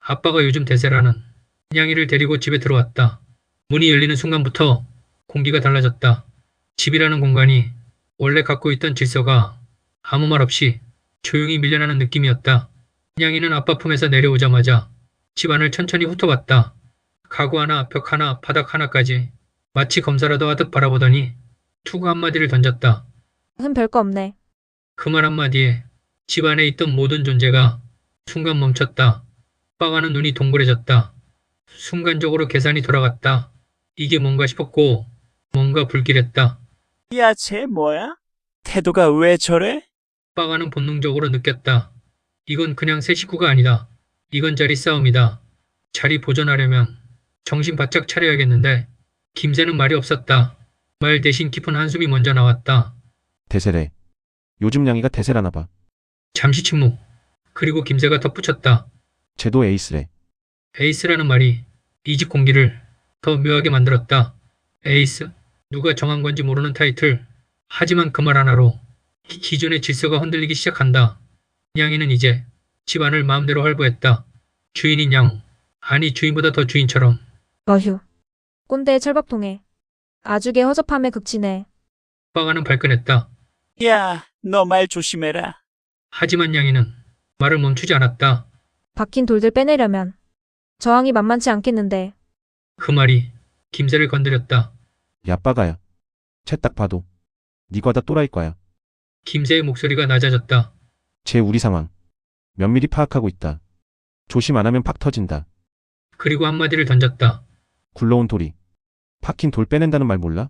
아빠가 요즘 대세라는 냥이를 데리고 집에 들어왔다. 문이 열리는 순간부터 공기가 달라졌다. 집이라는 공간이 원래 갖고 있던 질서가 아무 말 없이 조용히 밀려나는 느낌이었다. 냥이는 아빠 품에서 내려오자마자 집안을 천천히 훑어봤다. 가구 하나, 벽 하나, 바닥 하나까지 마치 검사라도 하듯 바라보더니 투구 한마디를 던졌다. 별거 없네. 그 말 한마디에 집안에 있던 모든 존재가 순간 멈췄다. 빠가는 눈이 동그래졌다. 순간적으로 계산이 돌아갔다. 이게 뭔가 싶었고 뭔가 불길했다. 야, 쟤 뭐야? 태도가 왜 저래? 빠가는 본능적으로 느꼈다. 이건 그냥 새 식구가 아니다. 이건 자리 싸움이다. 자리 보존하려면 정신 바짝 차려야겠는데 김새는 말이 없었다. 말 대신 깊은 한숨이 먼저 나왔다. 대세래. 요즘 냥이가 대세라나 봐. 잠시 침묵. 그리고 김새가 덧붙였다. 쟤도 에이스래. 에이스라는 말이 이 집 공기를 더 묘하게 만들었다. 에이스? 누가 정한 건지 모르는 타이틀. 하지만 그 말 하나로 기존의 질서가 흔들리기 시작한다. 냥이는 이제 집안을 마음대로 활보했다. 주인인 양. 아니 주인보다 더 주인처럼. 어휴. 꼰대의 철밥통에. 아주개 허접함에 극치네. 빠가는 발끈했다. 야, 너 말 조심해라. 하지만 냥이는 말을 멈추지 않았다. 박힌 돌들 빼내려면 저항이 만만치 않겠는데. 그 말이 김새를 건드렸다. 야 빠가야. 쟤 딱 봐도 니가 다 또라이 거야. 김새의 목소리가 낮아졌다. 쟤 우리 상황 면밀히 파악하고 있다. 조심 안 하면 팍 터진다. 그리고 한마디를 던졌다. 굴러온 돌이 박힌 돌 빼낸다는 말 몰라?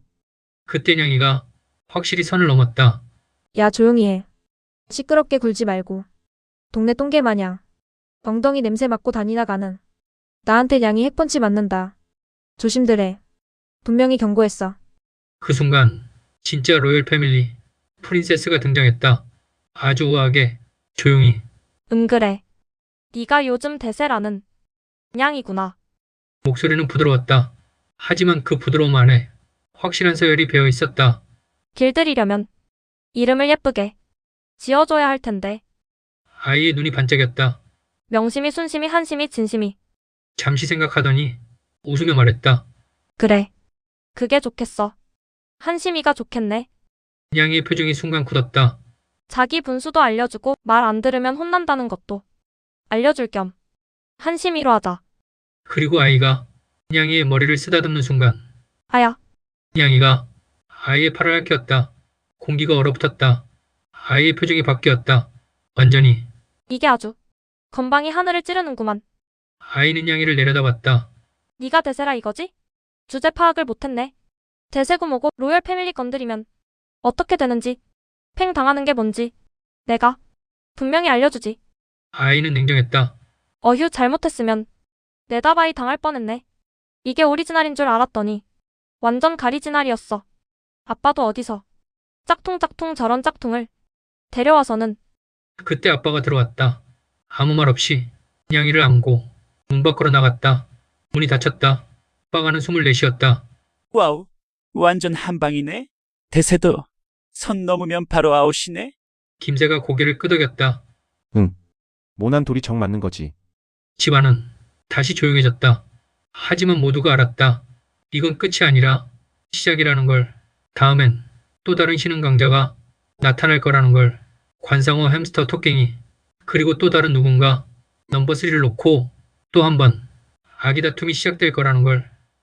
그때 냥이가 확실히 선을 넘었다. 야 조용히 해. 시끄럽게 굴지 말고. 동네 똥개 마냥 엉덩이 냄새 맡고 다니나 가는. 나한테 냥이 핵펀치 맞는다. 조심들 해. 분명히 경고했어. 그 순간 진짜 로열 패밀리 프린세스가 등장했다. 아주 우아하게 조용히. 그래. 네가 요즘 대세라는 냥이구나. 목소리는 부드러웠다. 하지만 그 부드러움 안에 확실한 서열이 배어 있었다. 길들이려면 이름을 예쁘게 지어줘야 할 텐데. 아이의 눈이 반짝였다. 명심이 순심이 한심이 진심이. 잠시 생각하더니 웃으며 말했다. 그래. 그게 좋겠어. 한심이가 좋겠네. 냥이의 표정이 순간 굳었다. 자기 분수도 알려주고 말 안 들으면 혼난다는 것도 알려줄 겸 한심이로 하자. 그리고 아이가 냥이의 머리를 쓰다듬는 순간 아야. 냥이가 아이의 팔을 핥혔다. 공기가 얼어붙었다. 아이의 표정이 바뀌었다. 완전히. 이게 아주 건방이 하늘을 찌르는구만. 아이는 냥이를 내려다봤다. 네가 대세라 이거지? 주제 파악을 못했네. 대세고 뭐고 로열 패밀리 건드리면 어떻게 되는지 팽 당하는 게 뭔지 내가 분명히 알려주지. 아이는 냉정했다. 어휴 잘못했으면 내다바이 당할 뻔했네. 이게 오리지널인 줄 알았더니 완전 가리지널이었어. 아빠도 어디서 짝퉁 저런 짝퉁을 데려와서는. 그때 아빠가 들어왔다. 아무 말 없이 냥이를 안고 문 밖으로 나갔다. 문이 닫혔다. 빠가는 숨을 내쉬었다. 와우, 완전 한방이네. 대세도 선 넘으면 바로 아웃이네. 김새가 고개를 끄덕였다. 모난 돌이 정 맞는 거지. 집안은 다시 조용해졌다. 하지만 모두가 알았다. 이건 끝이 아니라 시작이라는 걸. 다음엔 또 다른 신흥 강자가 나타날 거라는 걸. 관상어, 햄스터, 토깽이, 그리고 또 다른 누군가 넘버 3를 놓고 또 한 번 아기 다툼이 시작될 거라는 걸.